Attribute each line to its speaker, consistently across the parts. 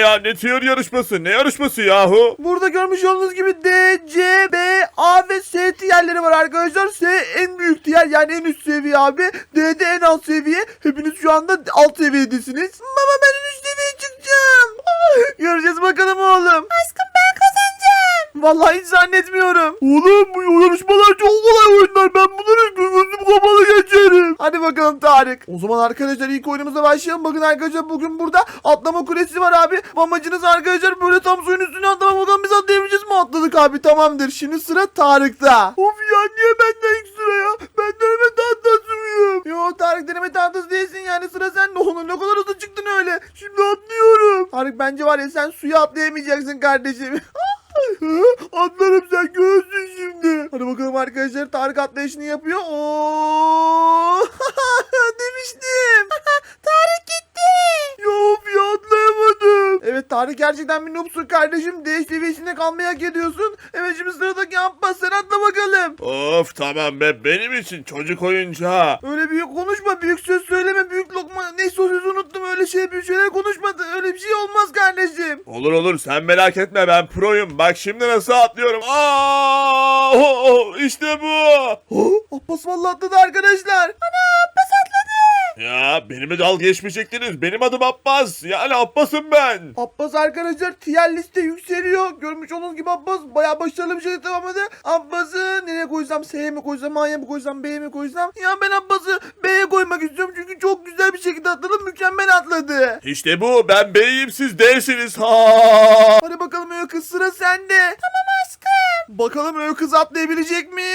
Speaker 1: ya? Ne tiyör yarışması? Ne yarışması yahu?
Speaker 2: Burada görmüş olduğunuz gibi D, C, B, A ve S tiyerleri var arkadaşlar. S en büyük tiyer, yani en üst seviye abi. D de en alt seviye. Hepiniz şu anda alt seviyedesiniz. Baba ben en üst seviyeye çıkacağım. Göreceğiz bakalım oğlum. Aşkım ben kazanacağım. Vallahi hiç zannetmiyorum. Oğlum bu yarışmalar çok kolay oyunlar. Ben bunları gözüm kapalı geçerim. Hadi bakalım Tarık. O zaman arkadaşlar ilk oyunumuza başlayalım. Bakın arkadaşlar bugün burada atlama kulesi var abi. Amacınız arkadaşlar böyle tam suyun üstüne atlamak. Bakalım biz atlayabileceğiz mi? Atladık abi, tamamdır. Şimdi sıra Tarık'ta. Of ya, niye benden ilk sıra ya? Ben deneme tahtasıyım. Yo Tarık, deneme tahtası değilsin yani, sıra sende. Oğlum ne kadar hızlı çıktın öyle. Şimdi atlıyorum. Tarık bence var ya, sen suya atlayamayacaksın kardeşim. Atlarım, sen görürsün şimdi. Hadi bakalım arkadaşlar, Tarık atlayışını yapıyor. Oo! Demiştim. Tarık gitti. Yok ya, atlayamadım. Evet Tarık gerçekten bir noobsun kardeşim. D seviyesinde kalmayı hak ediyorsun. Evet şimdi sıradaki Abbas, sen atla bakalım.
Speaker 1: Of tamam be, benim için çocuk oyuncağı.
Speaker 2: Öyle büyük konuşma, büyük söz söyleme, büyük lokma. Neyse o sözü unuttum, öyle büyük şeyler konuşmadı. Öyle bir şey olmaz kardeşim.
Speaker 1: Olur olur, sen merak etme, ben proyum. Bak şimdi nasıl atlıyorum. Aa, işte bu.
Speaker 2: Abbas vallahi atladı arkadaşlar. Ana, Abbas atladı.
Speaker 1: Ya benimle dalga geçmeyecektiniz. Benim adım Abbas. Yani Abbas'ım ben.
Speaker 2: Abbas arkadaşlar tier liste yükseliyor. Görmüş olduğunuz gibi Abbas bayağı başarılı bir şekilde tamamladı. Abbas'ı nereye koysam? S'ye mi koysam? A'ya mı koysam? B'ye mi koysam? Ya ben Abbas'ı B'ye koymak istiyorum. Çünkü çok güzel bir şekilde atladı. Mükemmel atladı.
Speaker 1: İşte bu. Ben B'yim, siz D'siniz. Ha.
Speaker 2: Hadi bakalım Öykü kız, sıra sende. Tamam aşkım. Bakalım Öykü kız atlayabilecek mi?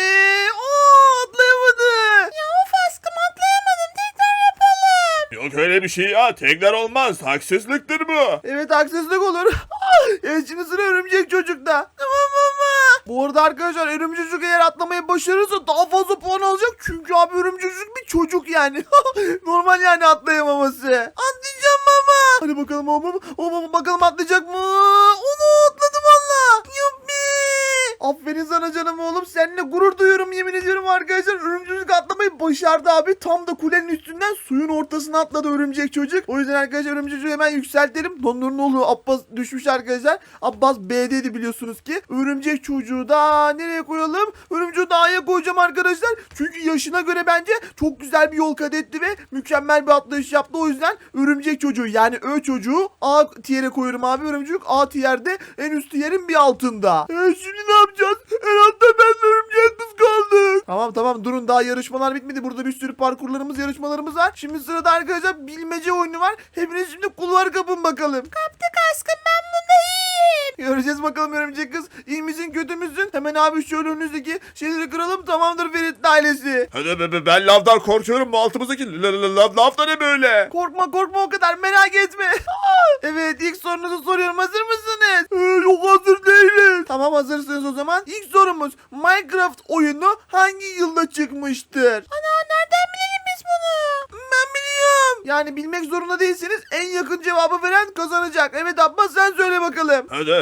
Speaker 2: Oo, atlayamadı. Ya of aşkım, atlayamadım. Tekrar yapalım.
Speaker 1: Yok öyle bir şey ya. Tekrar olmaz. Haksızlıktır bu.
Speaker 2: Evet, haksızlık olur. Evet şimdi sıra örümcek çocukta. Tamam baba. Bu arada arkadaşlar örümcek çocuk eğer atlamayı başarırsa daha fazla puan alacak. Çünkü abi örümcek çocuk bir çocuk yani. Normal yani atlayamaması. Atlayacağım baba. Hadi bakalım baba bakalım atlayacak mı? Onu atladı valla. Yuppi. Aferin sana canım oğlum. Seninle gurur duyuyorum, yemin ediyorum arkadaşlar. Örümcek çocuk atlamayı başardı abi. Tam da kulenin üstünden suyun ortasına atladı örümcek çocuk. O yüzden arkadaşlar örümcek çocuğu hemen yükseltelim. Dondur ne oluyor? Abbas düşmüş arkadaşlar. Abbas B'deydi biliyorsunuz ki. Örümcek çocuğu da nereye koyalım? Örümcek çocuğu da A'ya koyacağım arkadaşlar. Çünkü yaşına göre bence çok güzel bir yol kat etti ve mükemmel bir atlayış yaptı. O yüzden örümcek çocuğu yani Ö çocuğu A tiyere koyuyorum abi. Örümcek çocuk A tiyerde, en üst tiyerin bir altında. Şimdi ne yapacağız? Herhalde ben örümcek kız kaldık. Tamam durun, daha yarışmalar bitmedi. Burada bir sürü parkurlarımız, yarışmalarımız var. Şimdi sırada arkadaşlar bilmece oyunu var. Hepiniz şimdi kulvar kapın bakalım. Kaptık aşkım, ben bunda iyiyim. Göreceğiz bakalım örümcek kız. İyi misin kötü müsün? Hemen abi şöyle önünüzdeki şeyleri kıralım, tamamdır Ferit ailesi.
Speaker 1: Hadi ben lavdan korkuyorum. Bu altımızdaki lav da ne böyle?
Speaker 2: Korkma o kadar, merak etme. Evet, ilk sorunuzu soruyorum, hazır mısınız? Yok, hazır değiliz. Tamam hazırsınız o zaman. İlk sorumuz, Minecraft oyunu hangi yılda çıkmıştır? Ana, nereden bilelim biz bunu? Ben biliyorum. Yani bilmek zorunda değilsiniz. En yakın cevabı veren kazanacak. Evet Abbas, sen söyle bakalım.
Speaker 1: Hadi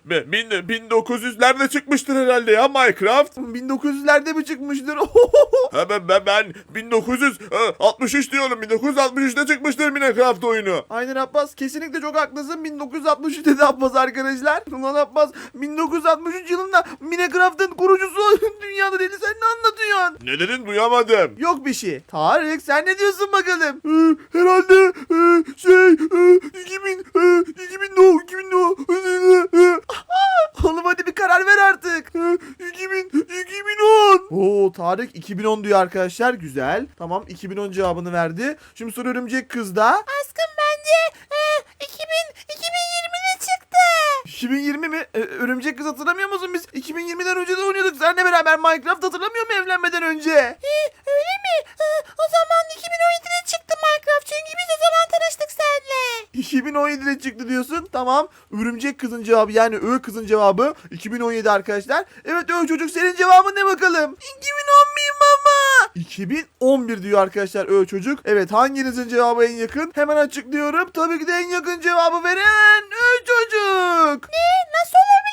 Speaker 1: 1900'lerde çıkmıştır herhalde ya Minecraft.
Speaker 2: 1900'lerde mi çıkmıştır?
Speaker 1: Ha, ben 1963 diyorum. 1963'te çıkmıştır Minecraft oyunu.
Speaker 2: Aynen Abbas, kesinlikle çok haklısın. 1963 dedi Abbas arkadaşlar. Ulan Abbas, 1963 yılında Minecraft'ın kurucusu dünyada dedi, sen ne anlatıyorsun?
Speaker 1: Ne dedin, duyamadım.
Speaker 2: Yok bir şey. Tarık, sen ne diyorsun bakalım? Herhalde 2000 Oğlum hadi bir karar ver artık. 2010. Oo, Tarık 2010 diyor arkadaşlar. Güzel. Tamam, 2010 cevabını verdi. Şimdi soru örümcek kızda. Aşkım bence 2020'de çıktı. 2020 mi? Örümcek kız, hatırlamıyor musun? Biz 2020'den önce de oynuyorduk. Seninle beraber Minecraft, hatırlamıyor musun evlenmeden önce? Öyle mi? O zaman 2017'de çıktı Minecraft. Çünkü biz o zaman tanıştık seninle. 2017'de çıktı diyorsun. Tamam. Örümcek kızın cevabı, yani Ö kızın cevabı 2017 arkadaşlar. Evet Ö çocuk, senin cevabın ne bakalım? 2011 baba. 2011 diyor arkadaşlar Ö çocuk. Evet, hanginizin cevabı en yakın? Hemen açıklıyorum. Tabii ki de en yakın cevabı veren Ö çocuk. Ne? Nasıl olabilir?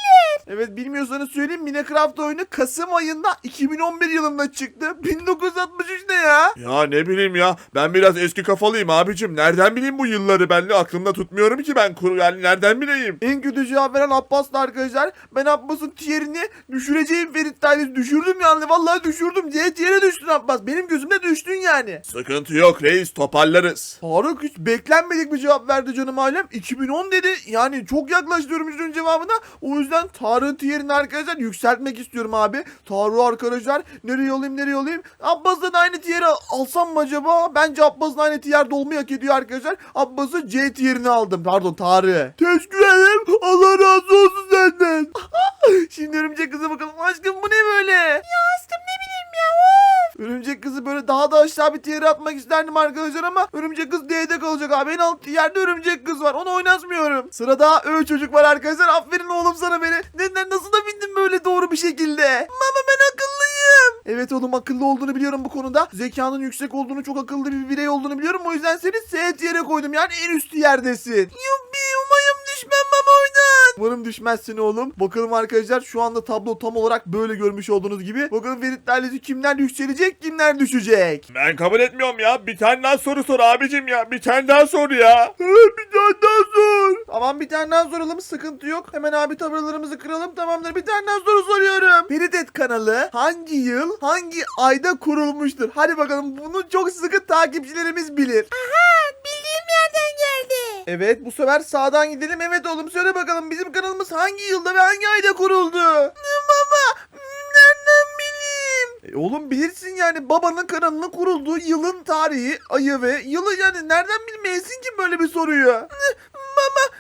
Speaker 2: Evet, bilmiyorsanız söyleyeyim, Minecraft oyunu Kasım ayında 2011 yılında çıktı. 1963 ne ya?
Speaker 1: Ya ne bileyim ya. Ben biraz eski kafalıyım abicim. Nereden bileyim bu yılları? Ben de aklımda tutmuyorum ki ben. Yani nereden bileyim?
Speaker 2: En kötü cevap veren Abbas'tı arkadaşlar. Ben Abbas'ın tierini düşüreceğim, Ferit Tayyip düşürdüm yani. Vallahi düşürdüm. C tier'e düştün Abbas. Benim gözümde düştün yani.
Speaker 1: Sıkıntı yok reis, toparlarız.
Speaker 2: Faruk hiç beklenmedik bir cevap verdi canım ailem. 2010 dedi. Yani çok yaklaşıyorum yüzünün cevabına. O yüzden Tarık'ın tierini arkadaşlar yükseltmek istiyorum abi. Tarık'ı arkadaşlar nereye alayım? Abbas'la da aynı tier'i alsam mı acaba? Bence Abbas'ın aynı tierde olmayı hak ediyor arkadaşlar. Abbas'ı C tierini aldım. Pardon, Tarık'ı. Teşekkür ederim. Allah razı olsun senden. Şimdi örümcek kıza bakalım. Aşkım bu ne böyle? Ya aşkım ne bileyim ya. Örümcek kızı böyle daha da aşağı bir tier'e atmak isterdim arkadaşlar ama örümcek kız D'de kalacak abi. En alt yerde örümcek kız var. Onu oynatmıyorum. Sırada Ö çocuk var arkadaşlar. Aferin oğlum sana beni. Neden, nasıl da bindin böyle doğru bir şekilde? Mama ben akıllıyım. Evet oğlum, akıllı olduğunu biliyorum bu konuda. Zekanın yüksek olduğunu, çok akıllı bir birey olduğunu biliyorum. O yüzden seni S tier'e koydum. Yani en üst yerdesin. Yuppi, umayım düşmem baba oynan. Umarım düşmezsin oğlum. Bakalım arkadaşlar, şu anda tablo tam olarak böyle görmüş olduğunuz gibi. Bakalım Ferit ailesi kimler yükselecek, kimler düşecek.
Speaker 1: Ben kabul etmiyorum ya. Bir tane daha soru sor abicim ya. Bir tane daha sor ya.
Speaker 2: Bir tane daha sor. Tamam, bir tane daha soralım, sıkıntı yok. Hemen abi tabelalarımızı kıralım, tamamdır. Bir tane daha soru soruyorum. Feridet kanalı hangi yıl, hangi ayda kurulmuştur? Hadi bakalım, bunu çok sıkı takipçilerimiz bilir.
Speaker 3: Bildiğim yerden geldi.
Speaker 2: Evet, bu sefer sağdan gidelim. Evet oğlum, söyle bakalım, bizim kanalımız hangi yılda ve hangi ayda kuruldu? Baba, nereden bileyim? Oğlum bilirsin yani, babanın kanalının kurulduğu yılın tarihi, ayı ve yılı, yani nereden bilmeyesin ki böyle bir soruyu? Baba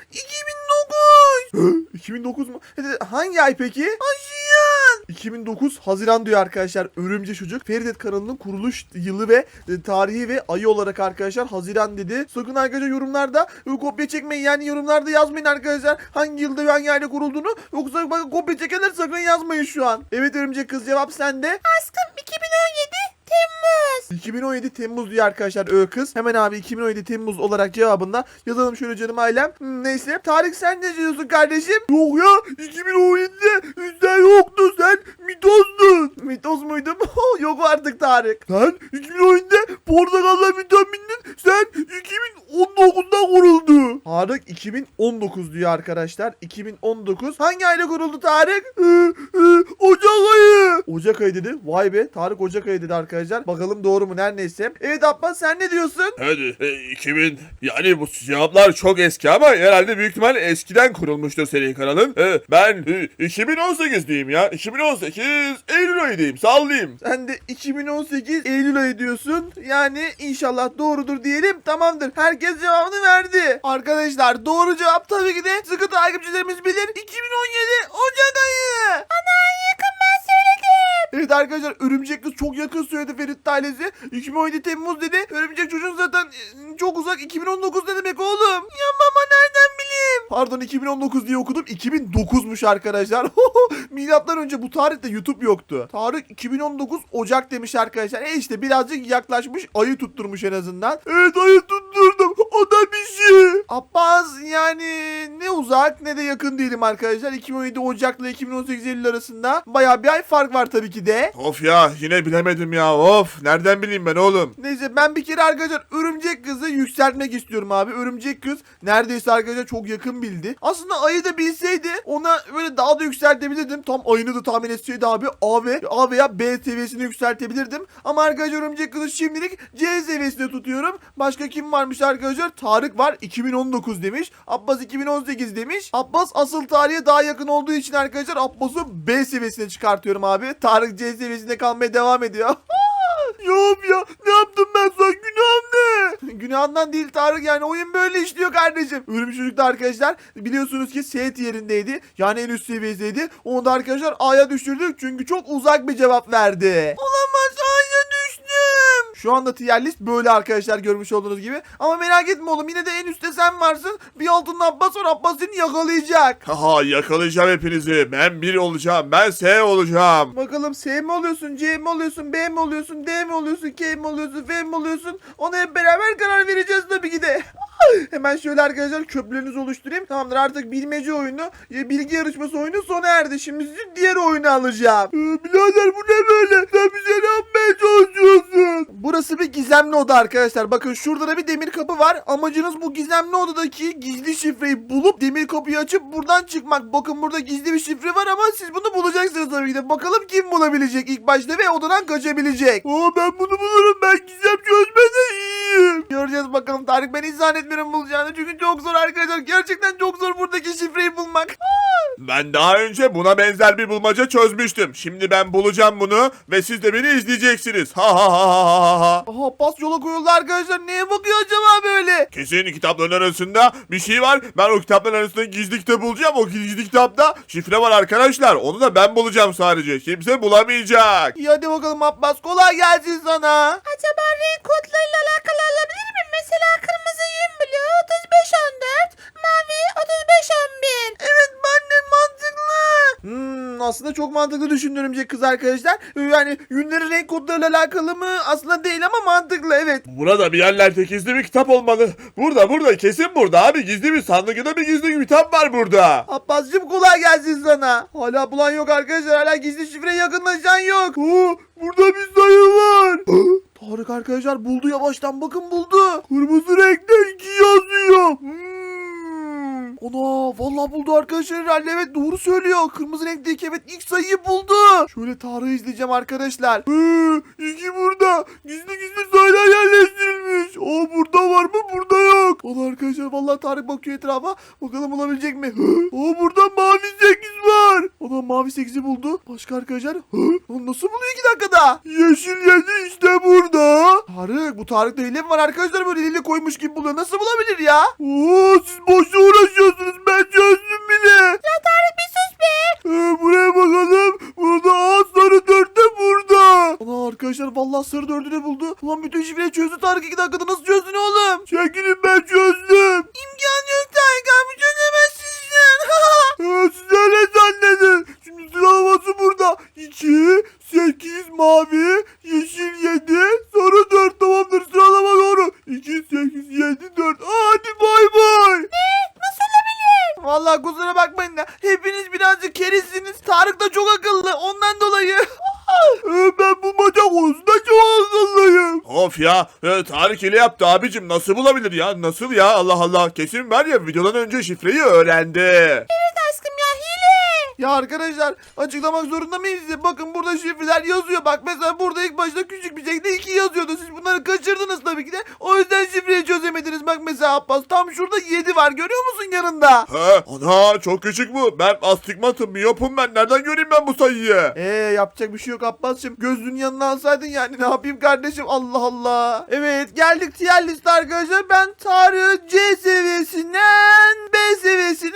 Speaker 2: 2009. 2009 mu? Hangi ay peki? Haziran. 2009 Haziran diyor arkadaşlar örümcek çocuk. Feridet kanalının kuruluş yılı ve tarihi ve ayı olarak arkadaşlar Haziran dedi. Sakın arkadaşlar yorumlarda kopya çekmeyin, yani yorumlarda yazmayın arkadaşlar hangi yılda ve hangi ayda kurulduğunu. Yoksa bakın, kopya çekenler sakın yazmayın şu an. Evet örümcek kız, cevap sende.
Speaker 3: Aşkım 2017 Temmuz.
Speaker 2: 2017 Temmuz diyor arkadaşlar Ö kız. Hemen abi 2017 Temmuz olarak cevabında yazalım şöyle canım ailem. Neyse. Tarık, sen ne diyorsun kardeşim? Yok ya, 2017'de sen yoktun, sen mitozdun. Mitoz muydum? Yok artık Tarık. Sen 2017'de portakalla vitamindin. Sen 2019'da kuruldu. Tarık 2019 diyor arkadaşlar. 2019. Hangi ayda kuruldu Tarık? Ocak ayı. Ocak ayı dedi. Vay be, Tarık Ocak ayı dedi arkadaşlar. Bakalım doğru mu, her neyse. Evet Abbas, sen ne diyorsun?
Speaker 1: Hadi 2000, yani bu cevaplar çok eski ama herhalde büyük ihtimal eskiden kurulmuştur senin kanalın. Ben 2018 diyeyim ya. 2018 Eylül ayı diyeyim, sallayayım.
Speaker 2: Sen de 2018 Eylül ayı diyorsun. Yani inşallah doğrudur diyelim. Tamamdır. Herkes cevabını verdi. Arkadaşlar doğru cevap tabii ki de sıkı takipçilerimiz bilir. 2017 Ocak ayı.
Speaker 3: Yakın ben söyledim.
Speaker 2: Evet arkadaşlar, örümcek kız çok yakın söyledi Ferit ailesi. 2017 Temmuz dedi. Örümcek çocuğun zaten çok uzak. 2019 ne demek oğlum? Ya baba nereden bileyim? Pardon, 2019 diye okudum. 2009'muş arkadaşlar. Milattan önce bu tarihte YouTube yoktu. Tarık 2019 Ocak demiş arkadaşlar. İşte birazcık yaklaşmış. Ayı tutturmuş en azından. Evet, ayı tutturdum. O da bir şey. Abbas, yani ne uzak ne de yakın değilim arkadaşlar. 2017 Ocak'la 2018 Eylül arasında bayağı bir ay fark var tabii ki de.
Speaker 1: Of ya, yine bilemedim ya. Of, nereden bileyim ben oğlum?
Speaker 2: Neyse, ben bir kere arkadaşlar örümcek kızı yükseltmek istiyorum abi. Örümcek kız neredeyse arkadaşlar çok yakın bildi. Aslında ayı da bilseydi ona böyle daha da yükseltebilirdim. Tam ayını da tahmin etseydi abi A veya B seviyesini yükseltebilirdim. Ama arkadaşlar örümcek kızı şimdilik C seviyesinde tutuyorum. Başka kim varmış arkadaşlar? Tarık var, 2019 demiş. Abbas 2018 demiş. Abbas asıl tarihe daha yakın olduğu için arkadaşlar Abbas'ı B seviyesine çıkartıyorum abi. Tarık C seviyesinde kalmaya devam ediyor. Yok ya, ne yaptım ben sana, günahım ne? Günahından değil Tarık, yani oyun böyle işliyor kardeşim. Örümcek çocuk da arkadaşlar biliyorsunuz ki S tierindeydi. Yani en üst seviyedeydi. Onu da arkadaşlar A'ya düşürdük çünkü çok uzak bir cevap verdi. Olamaz, A'ya düştüm. Şu anda tier list böyle arkadaşlar, görmüş olduğunuz gibi. Ama merak etme oğlum, yine de en üstte sen varsın. Bir altında Abbas var, Abbas seni yakalayacak.
Speaker 1: Haha, yakalayacağım hepinizi. Ben 1 olacağım. Ben S olacağım.
Speaker 2: Bakalım S mi oluyorsun, C mi oluyorsun, B mi oluyorsun, D mi oluyorsun, K mi oluyorsun, F mi oluyorsun? Ona hep beraber karar vereceğiz tabii ki de. Hemen hemen şöyle arkadaşlar köprülerinizi oluşturayım. Tamamdır, artık bilmece oyunu, bilgi yarışması oyunu sona erdi. Şimdi sizi diğer oyunu alacağım. Birader bu ne böyle? Sen bize ne yapmaya çalışıyorsun? Burası bir gizemli oda arkadaşlar. Bakın şurada da bir demir kapı var. Amacınız bu gizemli odadaki gizli şifreyi bulup demir kapıyı açıp buradan çıkmak. Bakın burada gizli bir şifre var ama siz bunu bulacaksınız tabii ki de. Bakalım kim bulabilecek ilk başta ve odadan kaçabilecek. Ben bunu bulurum. Ben gizem çözmede iyiyim. Göreceğiz bakalım Tarık. Ben hiç zannetmiyorum bulacağını. Çünkü çok zor arkadaşlar. Gerçekten çok zor buradaki şifreyi bulmak.
Speaker 1: Ben daha önce buna benzer bir bulmaca çözmüştüm. Şimdi ben bulacağım bunu ve siz de beni izleyeceksiniz. Ha ha ha ha ha ha.
Speaker 2: Aha, pas yola koyuldu arkadaşlar. Neye bakıyor acaba böyle?
Speaker 1: Kesin kitapların arasında bir şey var. Ben o kitapların arasında gizli kitap bulacağım. O gizli kitapta şifre var arkadaşlar. Onu da ben bulacağım sadece. Kimse bulamayacak.
Speaker 2: İyi hadi bakalım Abbas. Kolay gelsin sana.
Speaker 3: Acaba renk kodlarıyla alakalı olabilir mi? Mesela kırmızı 20 blue 3514, mavi 3511.
Speaker 2: Evet, ben de mantıklı. Aslında çok mantıklı düşündü örümcek kız arkadaşlar. Yani yünlerin renk kodlarıyla alakalı mı? Aslında değil ama mantıklı, evet.
Speaker 1: Burada bir yerlerde gizli bir kitap olmalı. Burada kesin burada abi. Gizli bir sandık ya da bir gizli bir kitap var burada.
Speaker 2: Abbascığım kolay gelsin sana. Hala bulan yok arkadaşlar. Hala gizli şifreye yakınlaşan yok. Burada bir sayı var. Tarık arkadaşlar buldu yavaştan, bakın buldu. Kırmızı renkte 2 yazıyor. Ana vallahi buldu arkadaşlar herhalde, evet doğru söylüyor. Kırmızı renkteki evet ilk sayıyı buldu. Şöyle Tarık'ı izleyeceğim arkadaşlar. 2 burada. Gizli sayılar yerleştirilmiş. Burada var mı? Burada yok. Allah arkadaşlar vallahi Tarık bakıyor etrafa. Bakalım bulabilecek mi? Burada mavi 8 var. Ana mavi 8'i buldu. Başka arkadaşlar? Onu nasıl buluyor 2 dakikada? Yeşil 7 işte burada. Tarık, bu Tarık'ta hile mi var arkadaşlar, böyle hile koymuş gibi buluyor. Nasıl bulabilir ya? Siz boşuna uğraşıyorsunuz. Ben çözdüm bile.
Speaker 3: Ya Tarık bir sus be.
Speaker 2: Buraya bakalım. Burada sarı 4 de burada. Ana arkadaşlar vallahi sarı 4'ü de buldu. Ulan bütün şifreyi çözdü Tarık 2 dakikada. Nasıl çözdün oğlum? Çekilin, ben çözdüm. İmkan yok Tarık abi, çözemezsin sen. Siz öyle zannedin. Şimdi sıralaması burada. 2, 8 mavi, yeşil 7, sarı 4. Tamamdır, sıralama doğru. 2, 8, 7, 4. Hadi bay bay.
Speaker 3: Nasıl olabilir?
Speaker 2: Vallahi kusura bakmayın da hepiniz birazcık kerizsiniz. Tarık da çok akıllı, ondan dolayı. Ben bu maça konusunda çok akıllıyım.
Speaker 1: Of ya. Tarık hile yaptı abicim. Nasıl bulabilir ya? Nasıl ya? Allah Allah. Kesin var ya, videodan önce şifreyi öğrendi.
Speaker 3: Evet aşkım ya, hile.
Speaker 2: Ya arkadaşlar açıklamak zorunda mıyız size? Bakın burada şifreler yazıyor. Bak mesela burada ilk başta küçük bir şekilde 2 yazıyordu. Siz bunları kaçırdınız tabii ki de. O yüzden şifreyi çözemediniz. Bak mesela Abbas, tam şurada 7 var. Görüyor musun yanında?
Speaker 1: Ana çok küçük bu. Ben astigmatım, miyopum ben. Nereden göreyim ben bu sayıyı?
Speaker 2: Yapacak bir şey yok Abbas'cığım. Gözlüğün yanına alsaydın yani, ne yapayım kardeşim, Allah Allah. Evet, geldik tier liste arkadaşlar. Ben Tarık'ı C seviyesinden B seviyesine.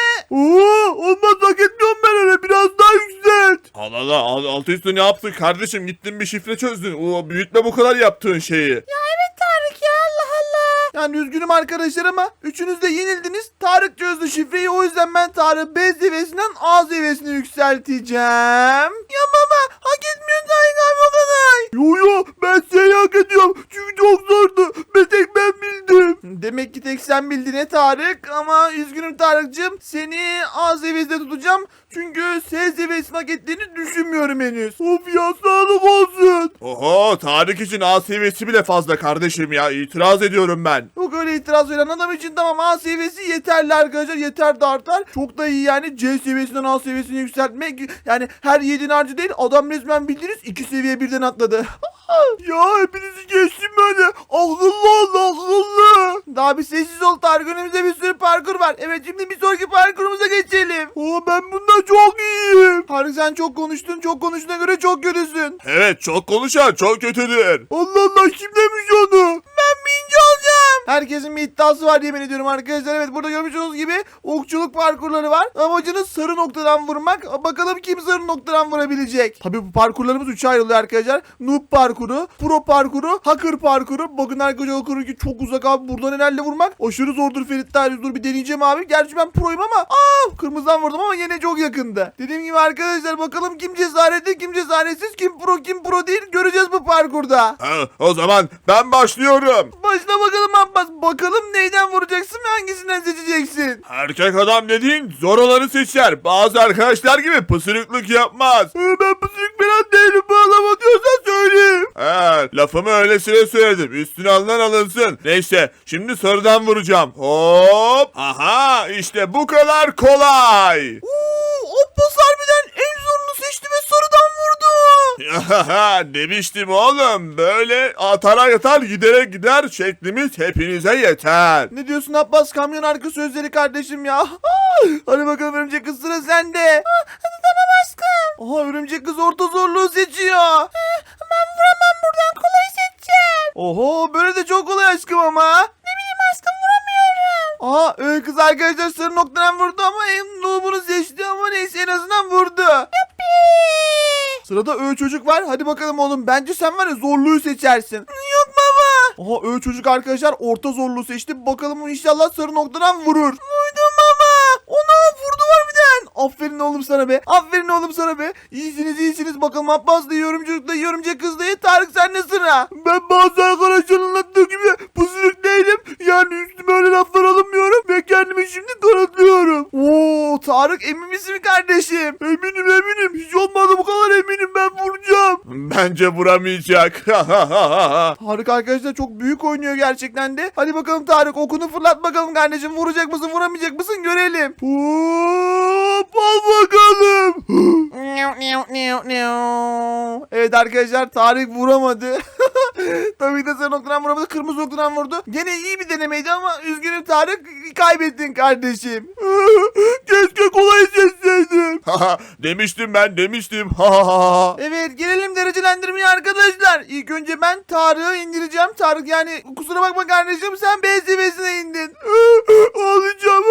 Speaker 2: Olmaz, hak etmiyorum ben öyle, biraz daha yükselt.
Speaker 1: Allah Allah, altı üstü ne yaptın kardeşim? Gittin bir şifre çözdün. Büyütme bu kadar yaptığın şeyi.
Speaker 3: Ya evet Tarık ya, Allah Allah.
Speaker 2: Yani üzgünüm arkadaşlar ama üçünüz de yenildiniz. Tarık çözdü şifreyi, o yüzden ben Tarık'ı B seviyesinden A seviyesine yükselteceğim. Ya baba, hak etmiyorsun Tarık abi o kadar. Yo ben seni hak ediyorum. Çünkü çok zordu. Bir tek ben bildim. Demek ki tek sen bildin Tarık, ama üzgünüm Tarık'cığım. Seni A seviyesinde tutacağım. Çünkü S seviyesini hak ettiğini düşünmüyorum henüz. Of ya, sağlık olsun.
Speaker 1: Oho, Tarık için A seviyesi bile fazla kardeşim ya. İtiraz ediyorum ben.
Speaker 2: Yok öyle itiraz veren adam için tamam, A seviyesi yeterli arkadaşlar, yeter de artar. Çok da iyi yani, C seviyesinden A seviyesine yükseltmek. Yani her yiğidin harcı değil, adam resmen bildiğiniz 2 seviye birden atladı. Ya hepinizi geçtim böyle. Akıllı ol, akıllı. Daha bir sessiz ol Tarık, önümüzde bir sürü parkur var. Evet, şimdi bir sonraki parkurumuza geçelim. Ben bunda çok iyiyim. Tarık sen çok konuştun, çok konuştuğuna göre çok kötüsün.
Speaker 1: Evet, çok konuşan çok kötüdür.
Speaker 2: Allah Allah, kim demiş onu? Ben birinci olacağım. Herkesin bir iddiası var yemin ediyorum arkadaşlar. Evet, burada görmüş olduğunuz gibi okçuluk parkurları var. Amacınız sarı noktadan vurmak. Bakalım kim sarı noktadan vurabilecek. Tabii bu parkurlarımız 3'e ayrılıyor arkadaşlar. Noob parkuru, pro parkuru, hacker parkuru. Bakın arkadaşlar, o ki çok uzak abi. Buradan herhalde vurmak aşırı zordur Ferit Tarih. Dur bir deneyeceğim abi. Gerçi ben proyum ama kırmızıdan vurdum ama yine çok yakındı. Dediğim gibi arkadaşlar, bakalım kim cesaretli, kim cesaretsiz, kim pro değil, göreceğiz bu parkurda.
Speaker 1: O zaman ben başlıyorum.
Speaker 2: Başla bakalım Abbas. Bakalım neyden vuracak bakacaksın ve hangisinden seçeceksin?
Speaker 1: Erkek adam dediğin zor olanı seçer. Bazı arkadaşlar gibi pısırıklık yapmaz.
Speaker 2: Ben pısırık falan değilim. Bağlama diyorsan söyleyeyim.
Speaker 1: Lafımı öylesine söyledim. Üstüne alınan alınsın. Neyse şimdi sarıdan vuracağım. Hop. Aha işte bu kadar kolay.
Speaker 2: Abbas harbiden en zorunu seçti ve sarıdan vurdu.
Speaker 1: Demiştim oğlum. Böyle atara yatar gidere gider şeklimiz hepinize yeter.
Speaker 2: Ne diyorsun Abbas? Kamyon arka sözleri kardeşim ya. Hadi bakalım örümcek kız, sıra sende.
Speaker 3: Tamam aşkım.
Speaker 2: Aha, örümcek kız orta zorluğu seçiyor.
Speaker 3: Ben vuramam, buradan kolay seçeceğim.
Speaker 2: Oho, böyle de çok kolay aşkım ama.
Speaker 3: Ne bileyim aşkım, vuramıyorum.
Speaker 2: Aha, kız arkadaşlar sarı noktadan vurdu ama en bunu seçti ama neyse en azından vurdu. Sırada çocuk var. Hadi bakalım oğlum. Bence sen var ya zorluğu seçersin. Yok baba. Aha, çocuk arkadaşlar orta zorluğu seçti. Bakalım inşallah sarı noktadan vurur. Vurdum baba. Ona vurdu harbiden. Aferin oğlum sana be. Aferin oğlum sana be. İyisiniz iyisiniz. Bakalım Abbas da yorumculuk da yorumcu kız da Tarık sende sıra. Ben bazı arkadaşların anlattığı gibi pısırık değilim. Yani üstüme öyle laflar alınmıyorum ve kendimi şimdi kanıtlıyorum. Oo Tarık, emin misin kardeşim? Eminim. Hiç olmadı bu kadar eminim, ben vuracağım.
Speaker 1: Bence vuramayacak.
Speaker 2: Tarık arkadaşlar çok büyük oynuyor gerçekten de. Hadi bakalım Tarık, okunu fırlat bakalım kardeşim. Vuracak mısın vuramayacak mısın görelim. Hop, al bakalım. Evet arkadaşlar, Tarık vuramadı. Tabii de sarı noktadan vuramadı. Kırmızı noktadan vurdu. Gene iyi bir denemeydi ama üzgünüm Tarık, kaybettin kardeşim. Keşke kolay seçseydim.
Speaker 1: Demiştim.
Speaker 2: Evet, gelelim derecelendirmeye arkadaşlar. İlk önce ben Tarık'ı indireceğim. Tarık, yani kusura bakma kardeşim, sen B seviyesine indin. Ağlayacağım.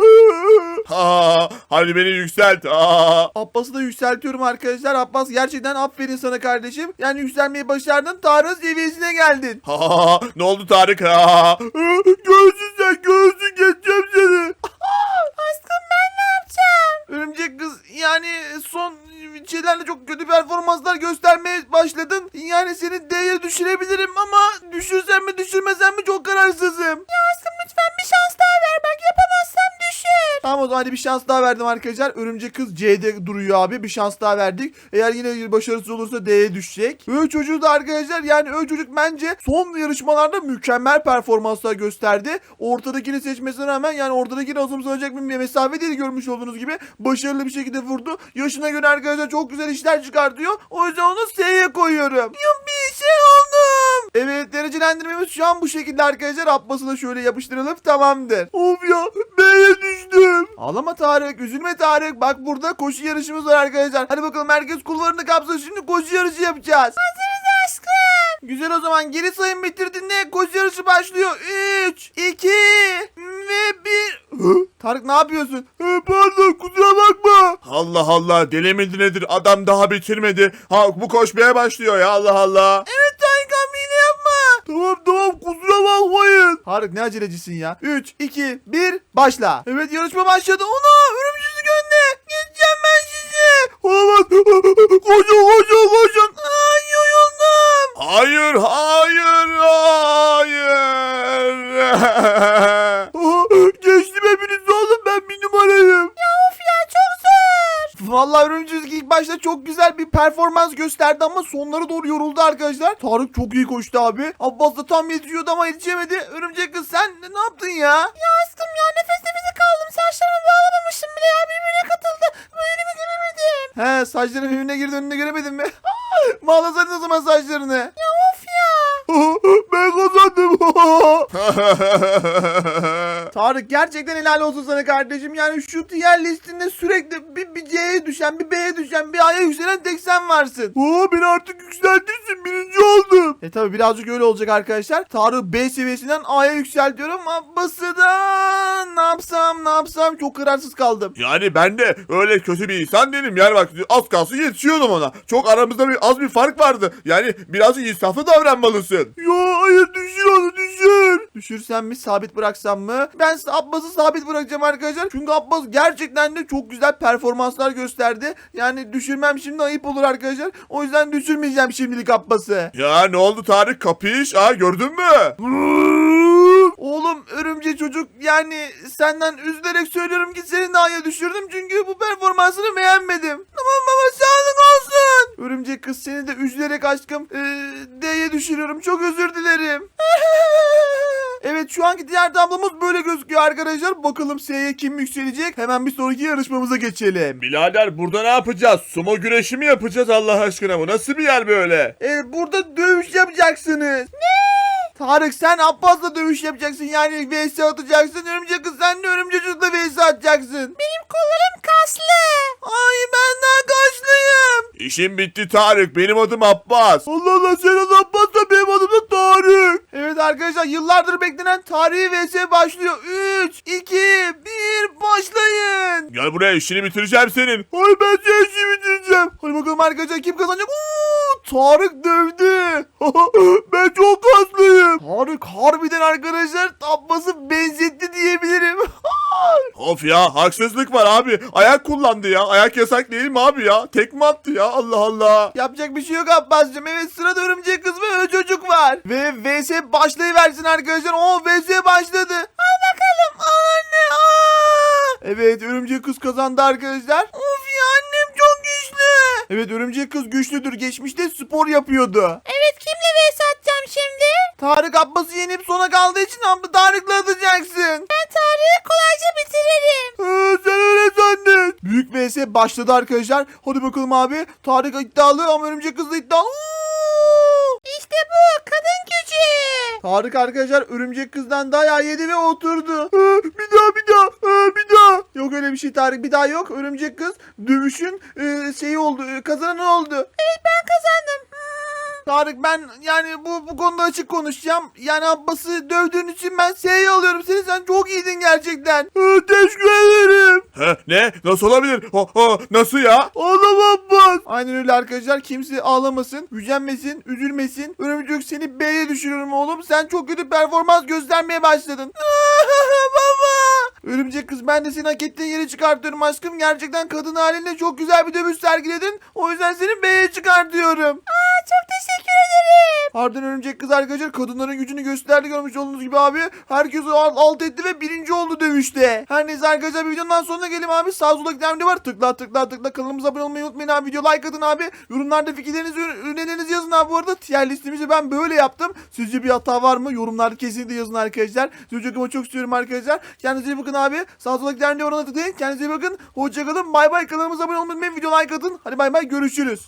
Speaker 1: Hadi beni yükselt.
Speaker 2: Abbas'ı da yükseltiyorum arkadaşlar. Abbas, gerçekten aferin sana kardeşim. Yani yükselmeyi başardın. Tarık'ın seviyesine geldin.
Speaker 1: Ne oldu Tarık?
Speaker 2: Göğsün sen, göğsün, geçeceğim seni.
Speaker 3: Aşkım ben ne yapacağım?
Speaker 2: Örümcek kız, yani son şeylerle çok kötü performanslar göstermeye başladın. Yani seni D'ye düşürebilirim ama düşürsem mi düşürmesem mi çok kararsızım.
Speaker 3: Ya aşkım lütfen bir şans daha ver. Bak yapamazsam düşür.
Speaker 2: Tamam, o zaman hadi bir şans daha verdim arkadaşlar. Örümcek kız C'de duruyor abi. Bir şans daha verdik. Eğer yine başarısız olursa D'ye düşecek. Çocuğu da arkadaşlar, yani çocuk bence son yarışmalarda mükemmel performanslar gösterdi. Ortadakini seçmesine rağmen, yani ortadakini azımsanacak bir mesafe değil, görmüş olduğunuz gibi. Başarılı bir şekilde vurdu. Yaşına göre arkadaşlar çok güzel işler çıkartıyor. O yüzden onu S'ye koyuyorum. Bir şey oldum. Evet, derecelendirmemiz şu an bu şekilde arkadaşlar. Abbas'ı da şöyle yapıştıralım, tamamdır. Of ya, B'ye düştüm. Ağlama Tarık, üzülme Tarık. Bak, burada koşu yarışımız var arkadaşlar. Hadi bakalım, herkes kulvarını kapsın, şimdi koşu yarışı yapacağız.
Speaker 3: Hazırız aşkım.
Speaker 2: Güzel, o zaman geri sayım bitirdiğinde koşu yarışı başlıyor. 3, 2 ve 1. Tarık, ne yapıyorsun? Pardon, kusura bakma.
Speaker 1: Allah deli midir nedir? Adam daha bitirmedi. Bu koşmaya başlıyor ya, Allah.
Speaker 2: Evet Tarık abi, yine yapma. Tamam, kusura bakmayın. Tarık, ne acelecisin ya. 3, 2, 1 başla. Evet, yarışma başladı. Ona örümcek önde. Geçeceğim ben sizi. Olamaz. Koşun. Ay, yoruldum.
Speaker 1: Hayır.
Speaker 2: Geçtim hepiniz oğlum, ben bir numarayım.
Speaker 3: Of ya, çok zor.
Speaker 2: Vallahi örümcek ilk başta çok güzel bir performans gösterdi ama sonlara doğru yoruldu arkadaşlar. Tarık çok iyi koştu abi. Abbas da tam yetişiyordu ama yetişemedi. Örümcek kız, sen ne yaptın ya?
Speaker 3: Ya aşkım ya, nefes nefese kaldım. Saçlarımı bağlamamışım bile ya, birbirine katıldı. Bu önümü göremedim.
Speaker 2: He, saçların birbirine girdi, önüne göremedin mi? Bağlasaydın o zaman saçlarını.
Speaker 3: Ya of ya.
Speaker 2: Ben kazandım. Tarık, gerçekten helal olsun sana kardeşim. Yani şu tier listinde sürekli bir C'ye düşen, bir B'ye düşen, bir A'ya yükselen tek sen varsın. Beni artık yükseltirsin, birinci oldum. Tabi birazcık öyle olacak arkadaşlar. Tarık B seviyesinden A'ya yükseltiyorum. Abbas'ı da ne yapsam çok kararsız kaldım.
Speaker 1: Yani ben de öyle kötü bir insan değilim. Yani bak, az kalsın yetişiyordum ona. Çok aramızda az bir fark vardı. Yani birazcık insaflı davranmalısın. Ya hayır, düşür onu, düşür.
Speaker 2: Düşürsem mi, sabit bıraksam mı? Ben Abbas'ı sabit bırakacağım arkadaşlar. Çünkü Abbas gerçekten de çok güzel performanslar gösterdi. Yani düşürmem şimdi ayıp olur arkadaşlar. O yüzden düşürmeyeceğim şimdilik Abbas'ı.
Speaker 1: Ya ne oldu Tarık, kapış? Gördün mü?
Speaker 2: Oğlum, örümcek çocuk yani senden üzülerek söylüyorum ki seni D'ye düşürdüm çünkü bu performansını beğenmedim. Tamam baba, sağlık olsun. Örümcek kız, seni de üzülerek aşkım D'ye düşürüyorum. Çok özür dilerim. Evet, şu anki diğer tablomuz böyle gözüküyor arkadaşlar. Bakalım S'ye kim yükselecek? Hemen bir sonraki yarışmamıza geçelim.
Speaker 1: Birader burada ne yapacağız? Sumo güreşi mi yapacağız Allah aşkına? Bu nasıl bir yer böyle?
Speaker 2: Burada dövüş yapacaksınız. Ne? Tarık, sen Abbas'la dövüş yapacaksın. Yani vs atacaksın. Örümcek kız, sen de örümcek çocukla vs atacaksın.
Speaker 3: Benim kollarım kaslı.
Speaker 2: Ay, ben daha kaçlıyım.
Speaker 1: İşim bitti Tarık. Benim adım Abbas.
Speaker 2: Allah Allah, sen adı Abbas da benim adım da Tarık. Evet arkadaşlar, yıllardır beklenen tarihi vs başlıyor. 3, 2, 1 başlayın.
Speaker 1: Gel buraya, işini bitireceğim senin.
Speaker 2: Ay, ben seni işi bitireceğim. Hadi bakalım arkadaşlar, kim kazanacak? Tarık dövdü. Ben çok kaslıyım. Tarık harbiden arkadaşlar Abbas'ı benzetti diyebilirim.
Speaker 1: Of ya, haksızlık var abi. Ayak kullandı ya. Ayak yasak değil mi abi ya? Tekme attı ya, Allah Allah.
Speaker 2: Yapacak bir şey yok Abbas'cığım. Evet, sırada örümcek kız ve o çocuk var. Ve vs başlayıversin arkadaşlar. Vs başladı. Al bakalım. Anne. Evet, örümcek kız kazandı arkadaşlar. Of ya, annem çok güçlü. Evet, örümcek kız güçlüdür. Geçmişte spor yapıyordu.
Speaker 3: Evet, kimle vs atacağım şimdi?
Speaker 2: Tarık Abbas'ı yenip sona kaldığı için Tarık'la atacaksın.
Speaker 3: Ben Tarık'ı kolayca bitiririm.
Speaker 2: Sen öyle zannet. Büyük vs başladı arkadaşlar. Hadi bakalım abi. Tarık iddialı ama örümcek kız da iddialı.
Speaker 3: İşte bu kadın gücü.
Speaker 2: Tarık arkadaşlar örümcek kızdan dayağı yedi ve oturdu. Bir daha. Yok öyle bir şey Tarık, bir daha yok. Örümcek kız dövüşün şeyi oldu, kazananı oldu.
Speaker 3: Evet, ben kazandım.
Speaker 2: Tarık, ben yani bu konuda açık konuşacağım. Yani Abbas'ı dövdüğün için ben S'yi alıyorum seni. Sen çok iyiydin gerçekten. Teşekkür ederim.
Speaker 1: Ne? Nasıl olabilir? Nasıl ya?
Speaker 2: Ağlama Abbas. Aynen öyle arkadaşlar. Kimse ağlamasın, gücenmesin, üzülmesin. Örümcek, seni B'ye düşürüyorum oğlum. Sen çok kötü performans göstermeye başladın. Baba. Örümcek kız, ben de seni hak ettiğin yere çıkartıyorum aşkım. Gerçekten kadın halinle çok güzel bir dövüş sergiledin. O yüzden seni B'ye çıkartıyorum.
Speaker 3: Çok teşekkür ederim.
Speaker 2: Harbiden örümcek kız arkadaşlar kadınların gücünü gösterdi, görmüş olduğunuz gibi abi. Herkes alt etti ve birinci oldu dövüşte. Her neyse arkadaşlar, bir videonun sonuna gelelim abi. Sağ solda giden video var. Tıkla. Kanalımıza abone olmayı unutmayın abi. Video like atın abi. Yorumlarda fikirlerinizi, önerilerinizi yazın abi. Bu arada tier listemizi ben böyle yaptım. Sizce bir hata var mı? Yorumlarda kesinlikle yazın arkadaşlar. Sizi çok istiyorum arkadaşlar. Kendinize iyi bakın abi. Sağ solda giden videoya tıklayın. Kendinize iyi bakın. Hoşçakalın. Bay bay. Kanalımıza abone olmayı unutmayın. Video like atın. Hadi bay bay. Görüşürüz.